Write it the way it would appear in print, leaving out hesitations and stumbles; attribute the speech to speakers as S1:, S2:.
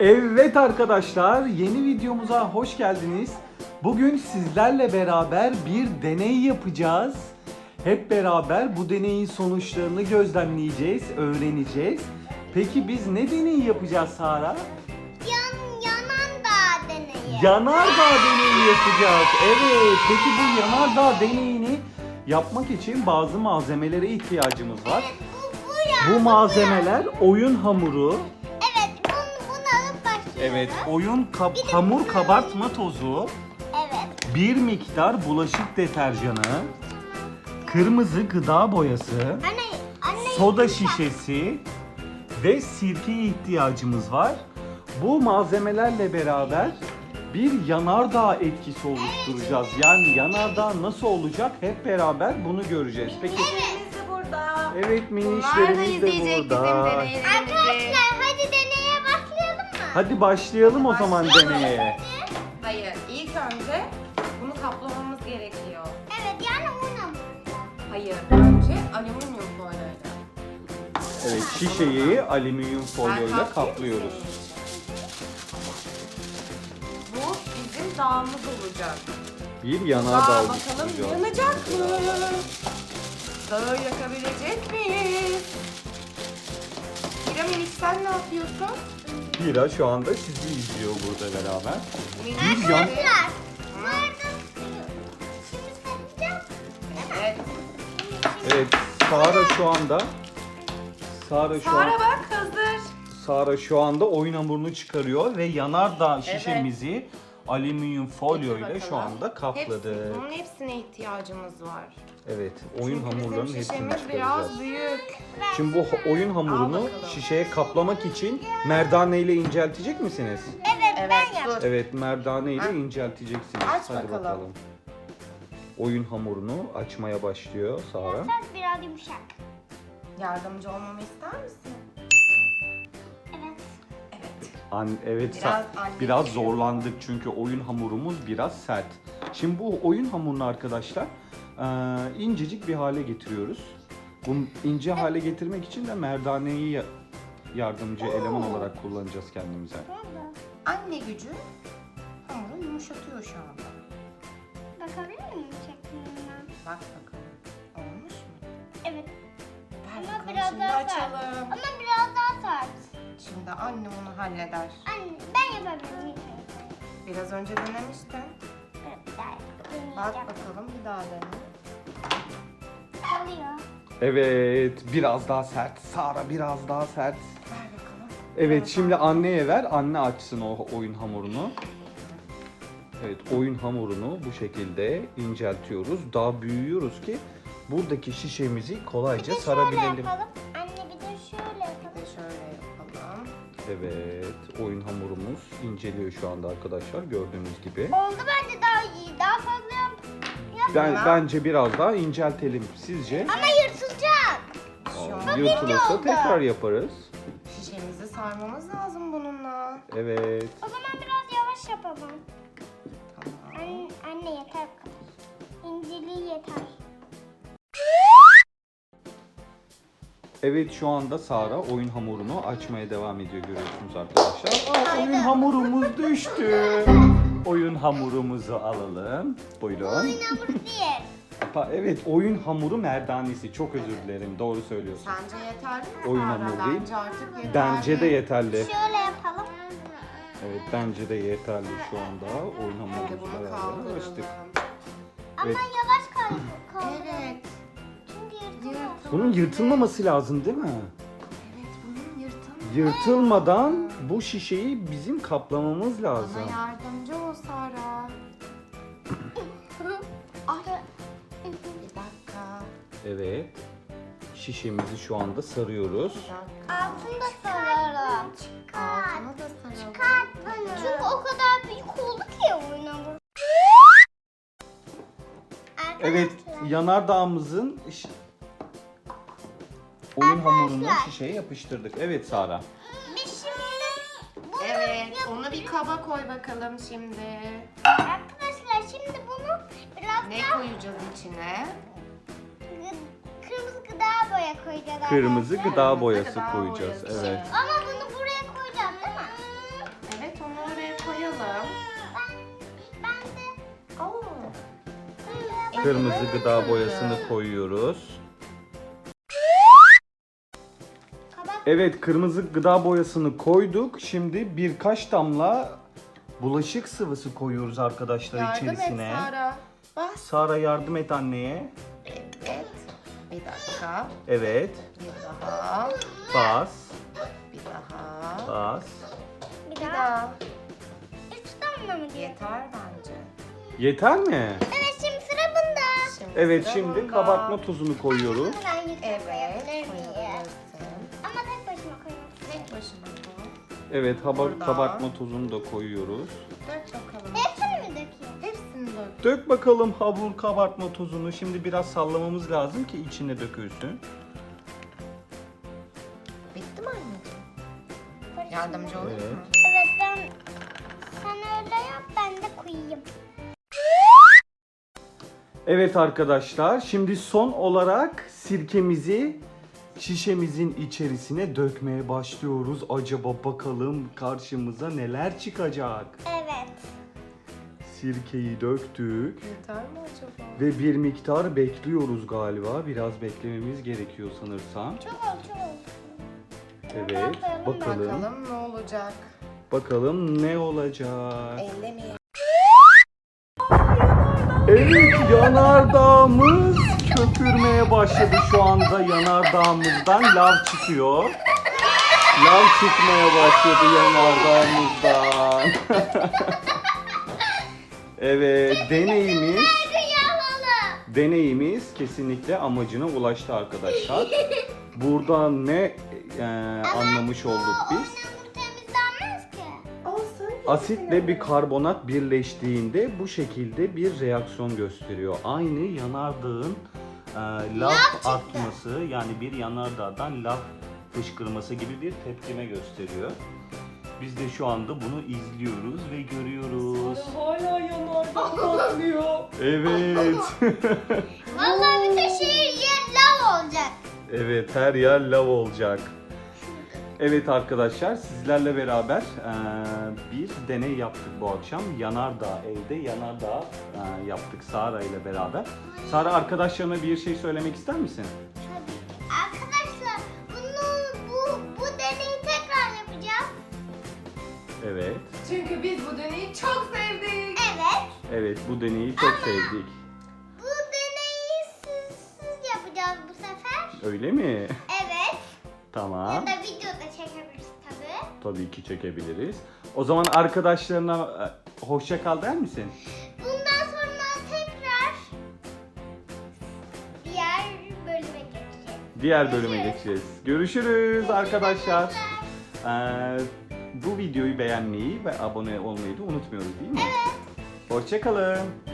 S1: Evet arkadaşlar, yeni videomuza hoş geldiniz. Bugün sizlerle beraber bir deney yapacağız. Hep beraber bu deneyin sonuçlarını gözlemleyeceğiz, öğreneceğiz. Peki biz ne deneyi yapacağız Sara?
S2: Yanardağ deneyi.
S1: Yanardağ deneyi yapacağız. Evet, peki bu yanardağ deneyini yapmak için bazı malzemelere ihtiyacımız var.
S2: Evet,
S1: Bu malzemeler oyun hamuru.
S2: Evet, bunu alıp başlıyoruz.
S1: Evet, hamur kabartma tozu,
S2: Evet.
S1: bir miktar bulaşık deterjanı, kırmızı gıda boyası,
S2: Anne.
S1: soda şişesi ve sirkeye ihtiyacımız var. Bu malzemelerle beraber bir yanardağ etkisi oluşturacağız. Yani yanardağ nasıl olacak hep beraber bunu göreceğiz. Peki
S3: Minişlerimiz de burada.
S1: evet,
S3: Bunlar da
S1: minişlerimiz de
S3: izleyecek bizim
S1: burada.
S3: deneylerimizi.
S2: Arkadaşlar hadi deneye başlayalım mı?
S1: Hadi başlayalım o zaman
S3: Başlayalım.
S1: deneye.
S3: Hayır, ilk önce bunu kaplamamız gerekiyor.
S2: Evet, yani unum.
S3: Hayır, önce alüminyum folyoyla.
S1: Evet, şişeyi alüminyum folyoyla
S3: Ben kaplayayım
S1: kaplıyoruz.
S3: senin için. Bu bizim dağımız olacak.
S1: Bir
S3: Dağı
S1: yanardağ
S3: bakalım
S1: oluşturacağız.
S3: yanacak mı? Dağı yakabilecek miyiz? Minik sen ne yapıyorsun?
S1: Hira şu anda sizi izliyor burada beraber.
S3: Minik
S1: yan-
S2: Arkadaşlar, bu arada şimdi saracağım.
S3: Evet.
S1: Evet, Sara şu anda
S3: Sara bak hazır.
S1: Sara şu anda oyun hamurunu çıkarıyor ve yanardağ şişemizi alüminyum folyo ile şu anda kapladı.
S3: Bunun hepsine ihtiyacımız var.
S1: Evet, oyun
S3: Çünkü
S1: hamurlarının
S3: bizim
S1: hepsini
S3: şişemiz
S1: çıkaracağız.
S3: biraz büyük.
S1: Şimdi bu oyun hamurunu
S3: bakalım.
S1: şişeye kaplamak için merdane ile inceltecek misiniz?
S2: Evet, ben
S3: Evet,
S2: yaptım.
S3: dur.
S1: Evet, merdane ile
S3: Ha.
S1: incelteceksiniz.
S3: Aç
S1: Hadi
S3: bakalım.
S1: Oyun hamurunu açmaya başlıyor Sara.
S2: Biraz yumuşak.
S3: Yardımcı olmamı ister misin?
S2: Evet.
S3: Evet.
S1: Evet,
S3: Biraz anne
S1: biraz
S3: gibi.
S1: zorlandık çünkü oyun hamurumuz biraz sert. Şimdi bu oyun hamurunu arkadaşlar incecik bir hale getiriyoruz. Bunu ince hale getirmek için de merdaneyi yardımcı eleman olarak kullanacağız kendimize.
S3: Anne gücü hamuru yumuşatıyor şu anda.
S2: Bakabilir miyim şeklinden?
S3: Bak bakalım. Olmuş mu?
S2: Evet.
S3: Ver
S2: Ama
S3: bakalım,
S2: biraz
S3: şimdi
S2: daha sert.
S3: açalım.
S2: Ama biraz daha sert.
S3: Şimdi anne onu halleder.
S2: Anne, ben yapabilirim.
S3: Biraz önce denemiştin.
S2: Evet, daha
S3: Bak
S2: deneyeceğim.
S3: bakalım bir daha dene.
S2: Kalıyor.
S1: Evet, biraz daha sert. Sara biraz daha sert.
S3: Ver bakalım.
S1: Evet, şimdi anneye ver. Anne açsın o oyun hamurunu. Evet, oyun hamurunu bu şekilde inceltiyoruz. Daha büyüyoruz ki buradaki şişemizi kolayca
S2: Bir de şöyle
S1: sarabilelim.
S2: yapalım. Anne bir de şöyle
S3: Bir
S2: yapalım.
S3: de şöyle yapalım.
S1: Evet, oyun hamurumuz inceliyor şu anda arkadaşlar gördüğünüz gibi.
S2: Oldu bence daha iyi. Daha fazla yap.
S1: Bence biraz daha inceltelim. Sizce?
S2: Ama yırtılacak.
S3: Şu an
S1: Yırtılırsa
S2: oldu.
S1: tekrar yaparız.
S3: şişemizi sarmamız lazım bununla.
S1: Evet.
S2: O zaman biraz yavaş yapalım.
S3: Tamam.
S2: Anne yeter bu kadar. İnceliği yeter.
S1: Evet, şu anda Sara oyun hamurunu açmaya devam ediyor görüyorsunuz arkadaşlar. Oyun hamurumuz düştü. Oyun hamurumuzu alalım. Buyurun.
S2: Oyun hamuru değil.
S1: Evet, oyun hamuru merdanesi. Çok özür dilerim. Doğru söylüyorsun.
S3: Sence yeterli mi?
S1: Oyun
S3: Sara?
S1: hamuru değil.
S3: Bence artık yeterli.
S1: Bence de yeterli.
S2: Şöyle yapalım.
S1: Evet, bence de yeterli şu anda. Oyun
S3: Hadi
S1: hamurumuzu
S3: bunu
S1: beraber açtık.
S3: kaldıralım.
S2: Ama
S1: Evet.
S2: yavaş kaldı.
S3: Evet.
S2: Çünkü yırtılır.
S1: Bunun yırtılmaması lazım değil mi?
S3: Evet bunun yırtılması.
S1: Yırtılmadan bu şişeyi bizim kaplamamız lazım.
S3: Bana yardımcı ol Sara. Ay. Bir dakika.
S1: Evet. Şişemizi şu anda sarıyoruz.
S3: Bir dakika.
S2: Altını da sararım.
S3: Altına da saralım.
S2: Çünkü o kadar büyük oldu ki oyun hamuru.
S1: Evet,
S2: Arkadaşlar,
S1: yanardağımızın oyun hamurunu şişeye yapıştırdık. Evet Sara.
S2: Biz şimdi bunu
S3: Evet, onu bir kaba koy bakalım şimdi.
S2: arkadaşlar şimdi bunu biraz
S3: Ne
S2: daha
S3: koyacağız içine?
S2: kırmızı gıda boya koyacağız.
S1: Kırmızı
S2: arkadaşlar.
S1: gıda boyası
S3: gıda
S1: koyacağız.
S3: boyası.
S1: Evet.
S2: Ama bunu buraya koyacağız değil mi?
S1: Kırmızı gıda boyasını koyuyoruz.
S2: Kabak
S1: Evet, kırmızı gıda boyasını koyduk. Şimdi birkaç damla bulaşık sıvısı koyuyoruz arkadaşlar
S3: Yardım et
S1: içerisine.
S3: Sara. Bas.
S1: Sara yardım et anneye.
S3: Evet. Bir dakika.
S1: Evet.
S3: Bir daha.
S1: Bas.
S3: Bir daha.
S1: Bas.
S2: bir
S3: Bir
S2: daha.
S3: daha.
S2: 3 damla mı diyor?
S3: Yeter bence.
S1: Yeter mi?
S2: Evet şimdi sıra bunda.
S1: Evet,
S3: sıra
S1: şimdi
S3: bunda.
S1: kabartma tozunu koyuyoruz.
S2: Bunu ben yüksek
S3: Evet.
S2: koyabilir miyim?
S3: Koyabilirsin.
S2: Ama tek başıma koymak
S3: Tek
S2: istiyorum.
S3: başına koy.
S1: Evet,
S3: Burada.
S1: kabartma tozunu da koyuyoruz.
S3: Dök bakalım.
S2: Hepsini mi dökeyim?
S3: Hepsini dök.
S1: Dök bakalım hamur kabartma tozunu. Şimdi biraz sallamamız lazım ki içine dökülsün.
S3: Bitti mi anneciğim?
S2: Karıştırma.
S3: Yardımcı olayım
S1: Evet.
S3: mı?
S2: Evet ben sen öyle yap ben de koyayım.
S1: Evet arkadaşlar, şimdi son olarak sirkemizi şişemizin içerisine dökmeye başlıyoruz. Acaba bakalım karşımıza neler çıkacak?
S2: Evet.
S1: Sirkeyi döktük
S3: Yeter mi acaba?
S1: ve bir miktar bekliyoruz galiba. Biraz beklememiz gerekiyor sanırsam.
S2: Çok oldu çok oldu.
S1: Evet, bakalım.
S3: Bakalım ne olacak?
S1: Bakalım ne olacak?
S3: Ellemeyelim.
S1: Evet, yanardağımız köpürmeye başladı şu anda. Yanardağımızdan lav çıkıyor. Lav çıkmaya başladı yanardağımızdan. Evet, deneyimiz kesinlikle amacına ulaştı arkadaşlar. Burada ne anlamış olduk biz?
S2: Hamur temizlenmez ki.
S3: Olsun.
S1: Asitle bir karbonat birleştiğinde bu şekilde bir reaksiyon gösteriyor. Aynı yanardağın lav atması, yani bir yanardağdan lav fışkırması gibi bir tepkime gösteriyor. Biz de şu anda bunu izliyoruz ve görüyoruz.
S3: Hala yanardağ patlıyor.
S1: Evet.
S2: Vallahi bütün şehir yer lav olacak.
S1: Evet, her yer lav olacak. Evet arkadaşlar, sizlerle beraber bir deney yaptık bu akşam. Yanardağ, evde yanardağ yaptık Sara ile beraber. Sara, arkadaşlarına bir şey söylemek ister misin?
S2: Arkadaşlar bu deneyi tekrar yapacağız.
S1: Evet.
S3: Çünkü biz bu deneyi çok sevdik.
S2: Evet.
S1: Evet, bu deneyi çok sevdik.
S2: Bu deneyi siz yapacağız bu sefer.
S1: Öyle mi?
S2: Evet.
S1: Tamam.
S2: Ya da videoda çekebiliriz tabii.
S1: Tabii ki çekebiliriz. O zaman arkadaşlarına hoşça kal der misin?
S2: Bundan sonra tekrar diğer bölüme geçeceğiz.
S1: Diğer bölüme geçeceğiz. Görüşürüz arkadaşlar. Bu videoyu beğenmeyi ve abone olmayı da unutmuyoruz değil mi? Evet. Hoşça kalın.